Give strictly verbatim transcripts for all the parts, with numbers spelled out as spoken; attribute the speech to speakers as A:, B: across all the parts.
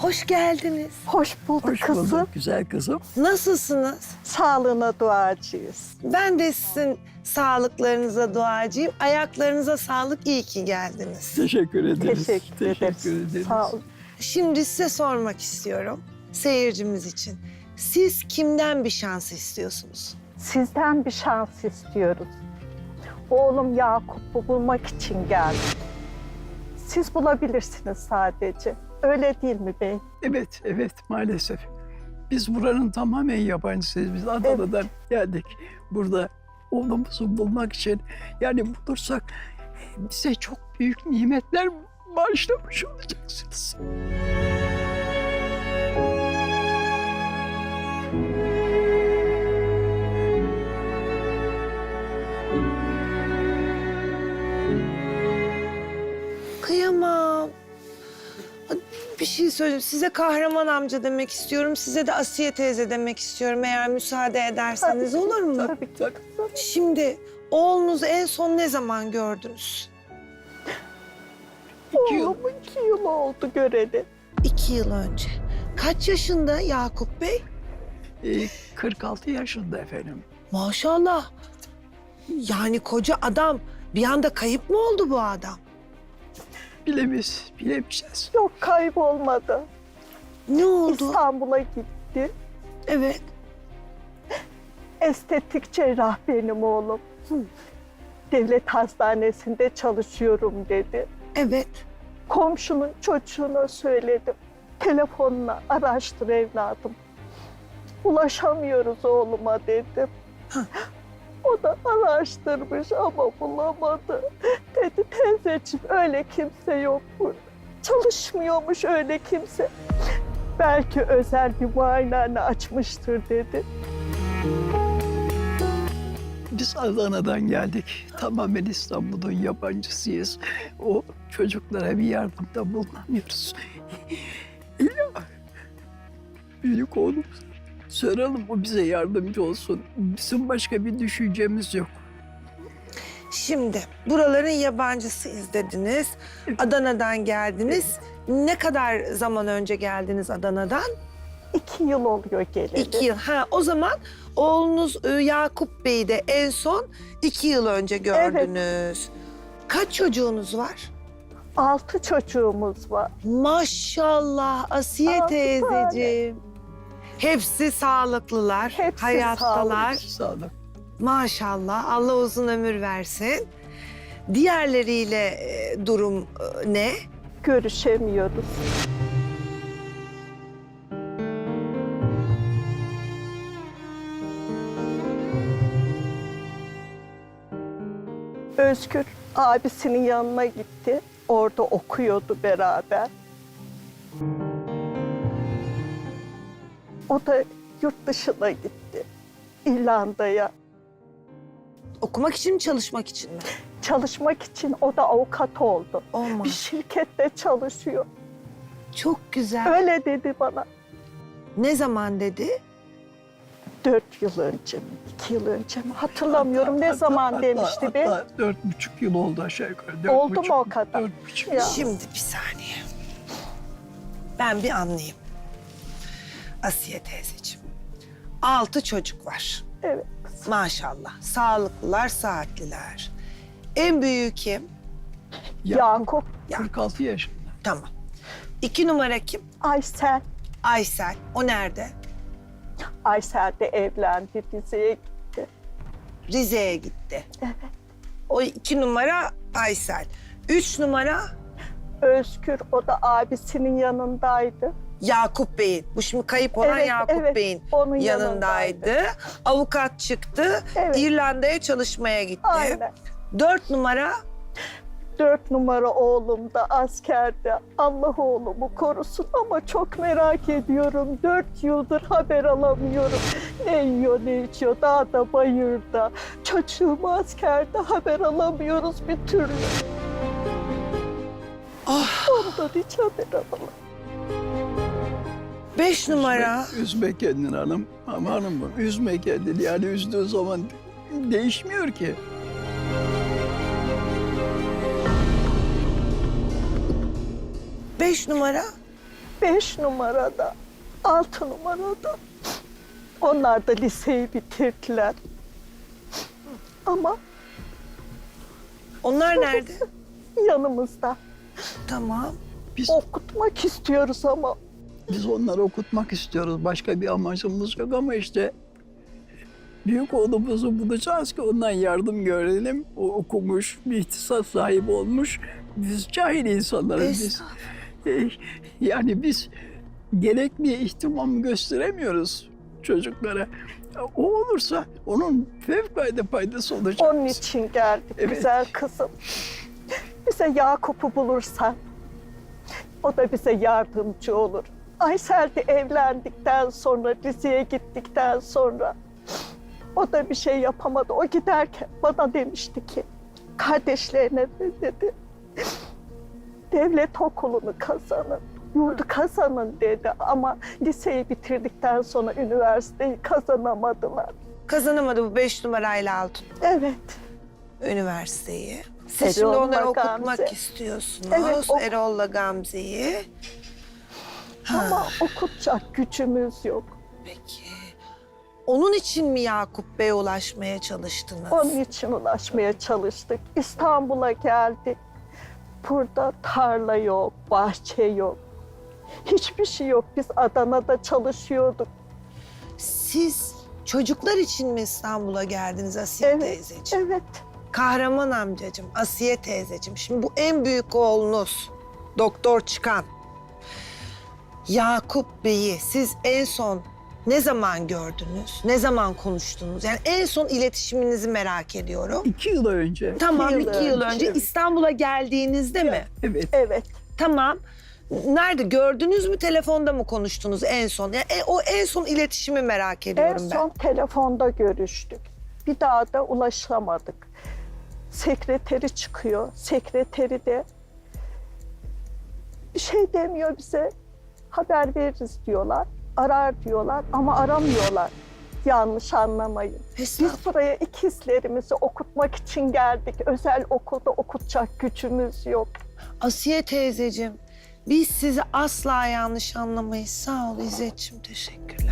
A: Hoş geldiniz.
B: Hoş bulduk
C: Hoş
B: kızım.
C: bulduk güzel kızım.
A: Nasılsınız?
B: Sağlığına duacıyız.
A: Ben de sizin sağlıklarınıza duacıyım. Ayaklarınıza sağlık, iyi ki geldiniz.
C: Teşekkür ederiz.
B: Teşekkür, ederiz.
C: ederiz.
B: Sağ olun.
A: Şimdi size sormak istiyorum, seyircimiz için. Siz kimden bir şans istiyorsunuz?
B: Sizden bir şans istiyoruz. Oğlum Yakup'u bulmak için geldim. Siz bulabilirsiniz sadece. Öyle değil mi bey?
C: Evet, evet maalesef. Biz buranın tamamen yabancısıyız. Biz Adana'dan geldik. Burada oğlumuzu bulmak için yani bulursak bize çok büyük nimetler bağışlamış olacaksınız.
A: Kıyamam. Bir şey söyleyeyim. Size Kahraman amca demek istiyorum. Size de Asiye teyze demek istiyorum. Eğer müsaade ederseniz
B: Tabii,
A: olur mu?
B: Tabii ki kızım.
A: Şimdi oğlunuzu en son ne zaman gördünüz?
C: İki yıl.
B: Oğlumun iki yıl oldu göreli.
A: İki yıl önce. Kaç yaşında Yakup Bey?
C: Ee, kırk altı yaşında efendim.
A: Maşallah. Yani koca adam. Bir anda kayıp mı oldu bu adam?
C: Bilemeyiz, bilemeyeceğiz.
B: Yok kaybolmadı.
A: Ne oldu?
B: İstanbul'a gitti.
A: Evet.
B: Estetik cerrah benim oğlum. Devlet hastanesinde çalışıyorum dedi.
A: Evet.
B: Komşunun çocuğuna söyledim. Telefonla araştır evladım. Ulaşamıyoruz oğluma dedim. O da araştırmış ama bulamadı. Dedi teyzeciğim öyle kimse yok burada. Çalışmıyormuş öyle kimse. Belki özel bir muayenehane açmıştır dedi.
C: Biz Adana'dan geldik. Tamamen İstanbul'un yabancısıyız. O çocuklara bir yardımda bulunamıyoruz. İlla büyük oğlum soralım, o bize yardımcı olsun. Bizim başka bir düşüncemiz yok.
A: Şimdi buraların yabancısıyız dediniz. Adana'dan geldiniz. Ne kadar zaman önce geldiniz Adana'dan?
B: İki yıl oluyor geleli.
A: İki yıl. Ha, o zaman oğlunuz e, Yakup Bey'i de en son iki yıl önce gördünüz. Kaç çocuğunuz var?
B: Altı çocuğumuz var.
A: Maşallah Asiye
B: Altı
A: teyzeciğim. Hepsi sağlıklılar,
B: Hepsi
A: hayattalar.
C: Sağlık.
A: Maşallah, Allah uzun ömür versin. Diğerleriyle e, durum e, ne?
B: Görüşemiyoruz. Özgür abisinin yanına gitti. Orada okuyordu beraber. O da yurt dışına gitti. İrlanda'ya.
A: Okumak için mi, çalışmak için mi?
B: Çalışmak için o da avukat oldu. Bir
A: Olmaz.
B: şirkette çalışıyor.
A: Çok güzel.
B: Öyle dedi bana.
A: Ne zaman dedi?
B: Dört yıl önce mi, iki yıl önce mi hatırlamıyorum ne zaman
C: Hatta-
B: demişti be.
C: hatta dört buçuk yıl oldu aşağı yukarı. Dört
B: Oldu mu
C: buçuk,
B: o kadar?
C: Dört buçuk.
B: Ya.
A: Şimdi bir saniye. Ben bir anlayayım. Asiye teyzeciğim. Altı çocuk var.
B: Evet.
A: Maşallah. Sağlıklılar, saatliler. En büyüğü kim?
B: Yakup,
C: kırk altı yaşında.
A: Tamam. İki numara kim?
B: Aysel.
A: Aysel. O nerede?
B: Aysel de evlendi, Rize'ye gitti.
A: Rize'ye gitti.
B: Evet.
A: O iki numara Aysel. Üç numara
B: Özgür, o da abisinin yanındaydı.
A: Yakup Bey'in. Bu şimdi kayıp olan
B: Evet,
A: Yakup
B: evet.
A: Bey'in
B: Onun
A: yanındaydı.
B: yanındaydı.
A: Avukat çıktı.
B: Evet.
A: İrlanda'ya çalışmaya gitti.
B: Aynen.
A: Dört numara
B: Dört numara oğlum da askerde. Allah oğlumu korusun ama çok merak ediyorum. Dört yıldır haber alamıyorum. Ne yiyor ne içiyor dağda bayırda. Çocuğum askerde haber alamıyoruz bir türlü.
A: Ah.
B: Ondan hiç haber alamam.
A: beş numara.
C: Üzme, üzme kendini hanım. Ama hanım üzme kendini. Yani üzdüğü zaman değişmiyor ki.
A: Beş numara.
B: beş numarada, altı numarada. Onlar da liseyi bitirdiler. Ama
A: Onlar nerede?
B: yanımızda.
A: Tamam.
C: Biz,
B: Okutmak istiyoruz ama
C: biz onları okutmak istiyoruz. Başka bir amacımız yok ama işte büyük oğlumuzu bulacağız ki ondan yardım görelim. O okumuş, bir ihtisas sahibi olmuş. Biz cahil insanlarız biz.
A: Estağfurullah.
C: E, Yani biz gerekli ihtimam gösteremiyoruz çocuklara. O olursa onun fevkalade faydası olacak.
B: onun için geldik
C: Evet.
B: güzel kızım. Bize Yakup'u bulursan o da bize yardımcı olur. Aysel de evlendikten sonra, Rize'ye gittikten sonra o da bir şey yapamadı. O giderken bana demişti ki, kardeşlerine de dedi, devlet okulunu kazanın, yurdu kazanın dedi. Ama liseyi bitirdikten sonra üniversiteyi kazanamadılar.
A: Kazanamadı bu beş numarayla altın
B: Evet,
A: üniversiteyi. Siz
B: Erol'la
A: şimdi onları okutmak
B: Gamze.
A: istiyorsunuz.
B: Evet, ok-
A: Erol'la Gamze'yi. Ha,
B: ama okutacak gücümüz yok.
A: peki. Onun için mi Yakup Bey'e ulaşmaya çalıştınız?
B: Onun için ulaşmaya çalıştık. İstanbul'a geldik. Burada tarla yok, bahçe yok. Hiçbir şey yok. Biz Adana'da çalışıyorduk.
A: Siz çocuklar için mi İstanbul'a geldiniz Asiye
B: Evet,
A: teyzeciğim?
B: evet.
A: Kahraman amcacığım, Asiye teyzeciğim. Şimdi bu en büyük oğlunuz, doktor çıkan Yakup Bey'i siz en son ne zaman gördünüz? Ne zaman konuştunuz? Yani en son iletişiminizi merak ediyorum.
C: İki yıl önce.
A: Tamam,
B: yıl
A: iki yıl
B: önce.
A: önce İstanbul'a geldiğinizde mi?
C: Evet.
B: Evet.
A: Tamam. Nerede? Gördünüz mü? Telefonda mı konuştunuz en son? Yani e, o en son iletişimi merak
B: En
A: ediyorum ben.
B: son telefonda görüştük. Bir daha da ulaşamadık. Sekreteri çıkıyor. Sekreteri de bir şey demiyor bize. Haber veririz diyorlar. Arar diyorlar ama aramıyorlar. Yanlış anlamayın. Biz
A: Estağfurullah.
B: buraya ikizlerimizi okutmak için geldik. Özel okulda okutacak gücümüz yok.
A: Asiye teyzeciğim, biz sizi asla yanlış anlamayız. Sağ ol İzzetciğim, teşekkürler.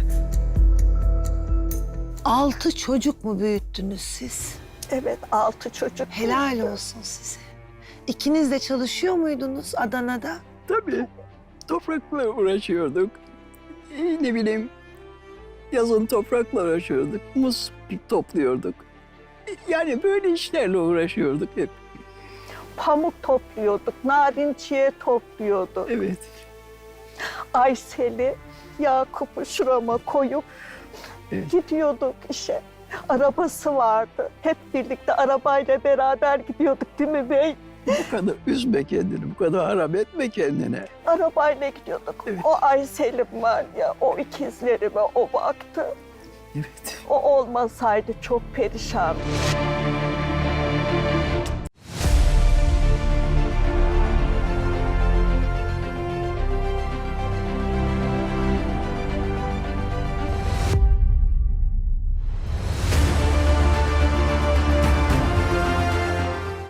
A: Altı çocuk mu büyüttünüz siz?
B: Evet, altı çocuk.
A: Helal olsun size. İkiniz de çalışıyor muydunuz Adana'da?
C: Tabii. Toprakla uğraşıyorduk. Ee, Ne bileyim, yazın toprakla uğraşıyorduk. Muz topluyorduk. Yani böyle işlerle uğraşıyorduk hep.
B: Pamuk topluyorduk, narinciye topluyorduk.
C: Evet.
B: Aysel'i, Yakup'u şurama koyup
C: Evet.
B: gidiyorduk işe. Arabası vardı. Hep birlikte arabayla beraber gidiyorduk değil mi bey?
C: Bu kadar üzme kendini, bu kadar harap etme kendine.
B: Arabayla gidiyorduk.
C: Evet.
B: O Aysel'im var ya, o ikizlerime o baktı.
C: Evet.
B: O olmasaydı çok perişan.